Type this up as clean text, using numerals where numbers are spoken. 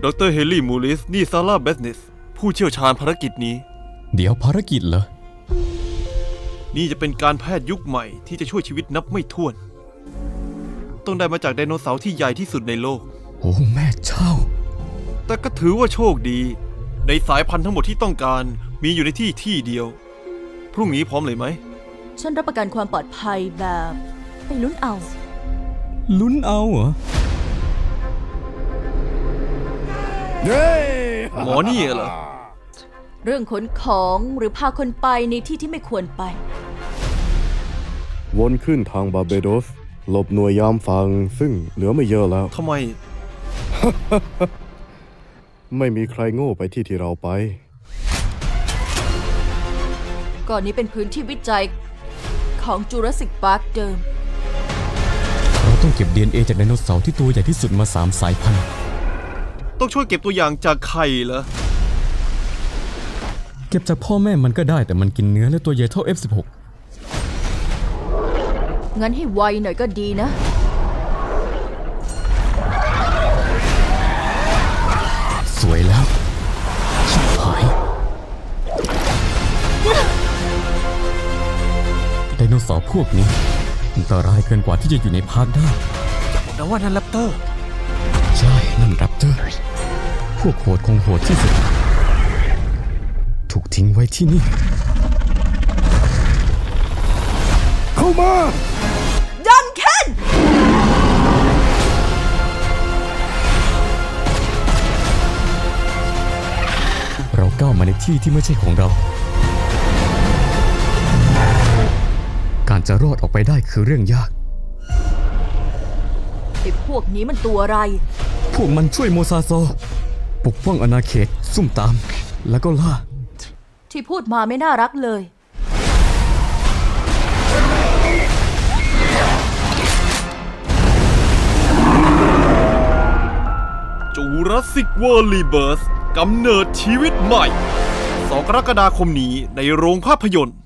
ดรเฮลี่มูลิสนี่ซาร่าเบสเนสผู้เชี่ยวชาญภารกิจนี้เดี๋ยวภารกิจเหรอนี่จะเป็นการแพทย์ยุคใหม่ที่จะช่วยชีวิตนับไม่ถ้วนต้องได้มาจากไดโนเสาร์ที่ใหญ่ที่สุดในโลกโอ้แม่เจ้าแต่ก็ถือว่าโชคดีในสายพันธุ์ทั้งหมดที่ต้องการมีอยู่ในที่เดียวพรุ่งนี้พร้อมเลยไหมฉันรับประกันความปลอดภัยแบบไปลุ้นเอาลุ้นเอาเหรอหมอนี่เหรอเรื่องขนของหรือพาคนไปในที่ที่ไม่ควรไปวนขึ้นทางบาร์เบโดสหลบหน่วยยามฟังซึ่งเหลือไม่เยอะแล้วทำไมไม่มีใครโง่ไปที่เราไปก่อนนี้เป็นพื้นที่วิจัยของจูราสสิกพาร์คเดิมเราต้องเก็บ DNA จากไดโนเสาร์ที่ตัวใหญ่ที่สุดมา3 สายพันธุ์ต้องช่วยเก็บตัวอย่างจากไข่เหรอเก็บจากพ่อแม่มันก็ได้แต่มันกินเนื้อและตัวใหญ่เท่า F16 งั้นให้ไวหน่อยก็ดีนะสวยแล้วชิบหายไดโนเสาร์พวกนี้อันตรายเกินกว่าที่จะอยู่ในพาร์คได้แต่ว่านั่นแรปเตอร์ใช่นั่นแรปเตอร์พวกโหดคงโหดที่สุดถูกทิ้งไว้ที่นี่เข้ามาดันเคนเราก้าวมาในที่ที่ไม่ใช่ของเราการจะรอดออกไปได้คือเรื่องยากไอ้พวกนี้มันตัวอะไรพวกมันช่วยโมซาโซปกป้องอาณาเขตซุ่มตามแล้วก็ล่าที่พูดมาไม่น่ารักเลยจูราสสิกเวิลด์รีเบิร์ธกำเนิดชีวิตใหม่2 กรกฎาคมนี้ในโรงภาพยนตร์